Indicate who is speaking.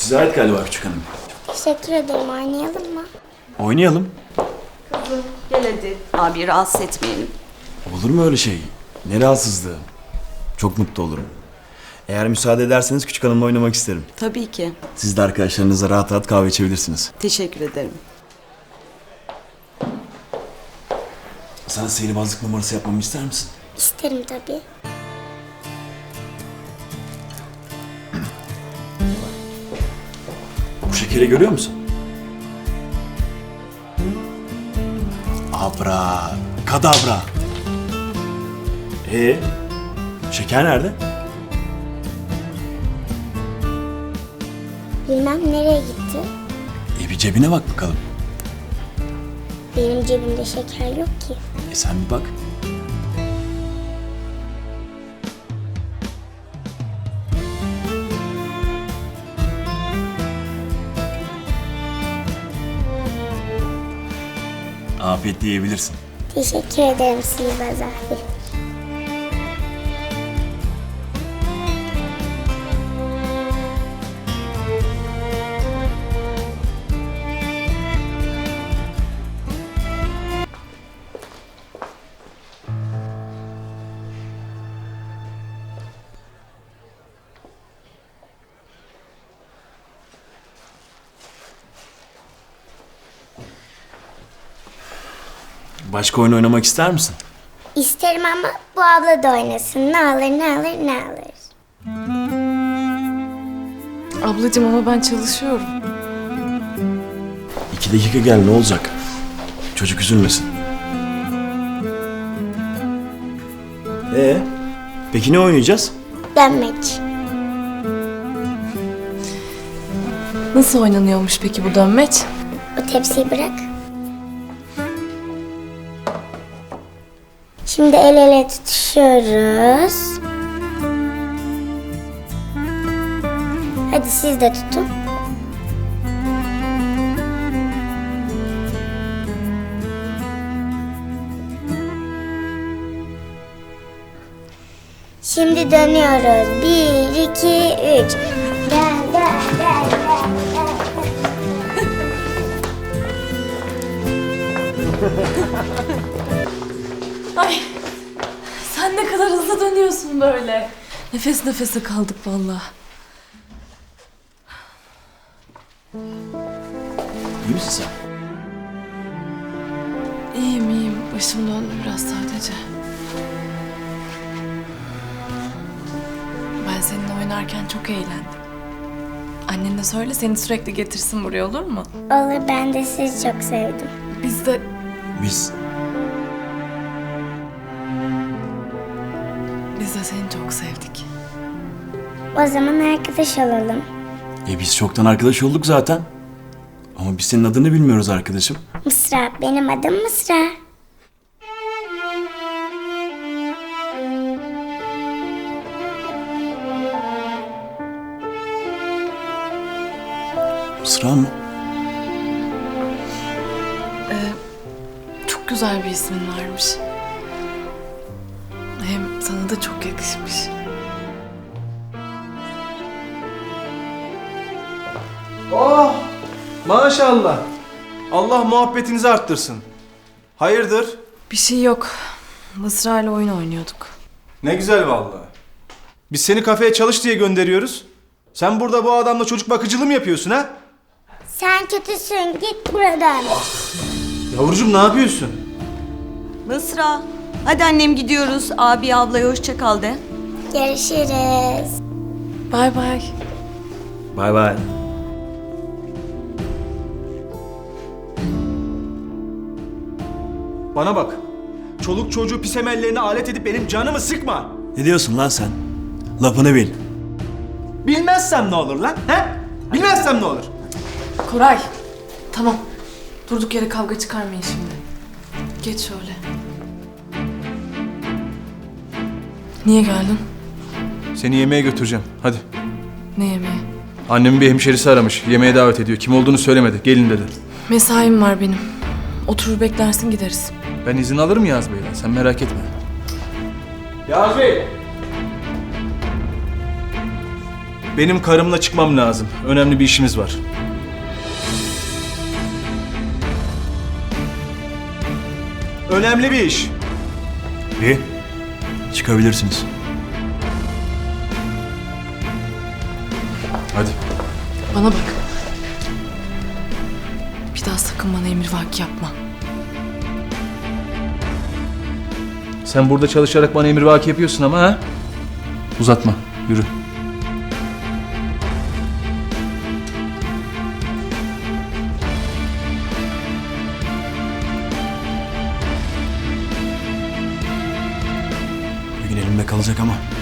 Speaker 1: Size ait galiba küçük hanım.
Speaker 2: Teşekkür ederim. Oynayalım mı?
Speaker 1: Oynayalım.
Speaker 3: Kızım gel hadi. Abi rahatsız etmeyelim.
Speaker 1: Olur mu öyle şey? Ne rahatsızlığı. Çok mutlu olurum. Eğer müsaade ederseniz küçük hanımla oynamak isterim.
Speaker 3: Tabii ki.
Speaker 1: Siz de arkadaşlarınızla rahat rahat kahve içebilirsiniz.
Speaker 3: Teşekkür ederim.
Speaker 1: Sana sihirbazlık numarası yapmamı ister misin?
Speaker 2: İsterim tabii.
Speaker 1: Bu şekeri görüyor musun? Abra, kadabra. Şeker nerede?
Speaker 2: Bilmem nereye gitti.
Speaker 1: Bir cebine bak bakalım.
Speaker 2: Benim cebimde şeker yok ki.
Speaker 1: Sen bir bak. Afiyetle yiyebilirsin.
Speaker 2: Teşekkür ederim sihirbaz abi.
Speaker 1: Başka oyun oynamak ister misin?
Speaker 2: İsterim ama bu abla da oynasın. Ne alır, ne alır, ne alır.
Speaker 4: Ablacığım ama ben çalışıyorum.
Speaker 1: 2 dakika gel, ne olacak? Çocuk üzülmesin. Peki ne oynayacağız?
Speaker 2: Dönmek.
Speaker 4: Nasıl oynanıyormuş peki bu dönmeç?
Speaker 2: O tepsiyi bırak. Şimdi el ele tutuşuyoruz. Hadi siz de tutun. Şimdi dönüyoruz. 1, 2, 3. Gel, gel, gel, gel,
Speaker 4: Ay sen ne kadar hızlı dönüyorsun böyle. Nefes nefese kaldık vallahi.
Speaker 1: İyi misin sen?
Speaker 4: İyiyim iyiyim. Başım döndü biraz sadece. Ben seninle oynarken çok eğlendim. Annene söyle seni sürekli getirsin buraya, olur mu?
Speaker 2: Olur, ben de sizi çok sevdim.
Speaker 4: Biz de
Speaker 1: Biz.
Speaker 4: seni çok sevdik.
Speaker 2: O zaman arkadaş olalım.
Speaker 1: Biz çoktan arkadaş olduk zaten. Ama biz senin adını bilmiyoruz arkadaşım.
Speaker 2: Mısra, benim adım Mısra.
Speaker 1: Mısra mı?
Speaker 4: Çok güzel bir ismin varmış. Hem sana da çok yakışmış.
Speaker 5: Oh! Maşallah. Allah muhabbetinizi arttırsın. Hayırdır?
Speaker 4: Bir şey yok. Mısra ile oyun oynuyorduk.
Speaker 5: Ne güzel vallahi. Biz seni kafeye çalış diye gönderiyoruz. Sen burada bu adamla çocuk bakıcılığı mı yapıyorsun ha?
Speaker 2: Sen kötüsün, git buradan.
Speaker 5: Yavrucuğum ne yapıyorsun?
Speaker 3: Mısra. Hadi annem gidiyoruz. Abi ablaya hoşça kal de.
Speaker 2: Görüşürüz.
Speaker 4: Bay bay.
Speaker 1: Bay bay.
Speaker 5: Bana bak. Çoluk çocuğu pis emellerine alet edip benim canımı sıkma.
Speaker 1: Ne diyorsun lan sen? Lafını bil.
Speaker 5: Bilmezsem ne olur lan? He? Bilmezsem ne olur?
Speaker 4: Koray. Tamam. Durduk yere kavga çıkarmayın şimdi. Geç şöyle. Niye geldin?
Speaker 5: Seni yemeğe götüreceğim. Hadi.
Speaker 4: Ne yemeği?
Speaker 5: Annemin bir hemşerisi aramış. Yemeğe davet ediyor. Kim olduğunu söylemedi. Gelin dedi.
Speaker 4: Mesaim var benim. Oturur beklersin gideriz.
Speaker 5: Ben izin alırım Yağız Bey'den. Sen merak etme. Yağız Bey! Benim karımla çıkmam lazım. Önemli bir işimiz var. Önemli bir iş.
Speaker 1: İyi. Çıkabilirsiniz.
Speaker 5: Hadi.
Speaker 4: Bana bak. Bir daha sakın bana emrivaki yapma.
Speaker 5: Sen burada çalışarak bana emrivaki yapıyorsun ama ha? Uzatma. Yürü.
Speaker 1: Bir gün elimde kalacak ama.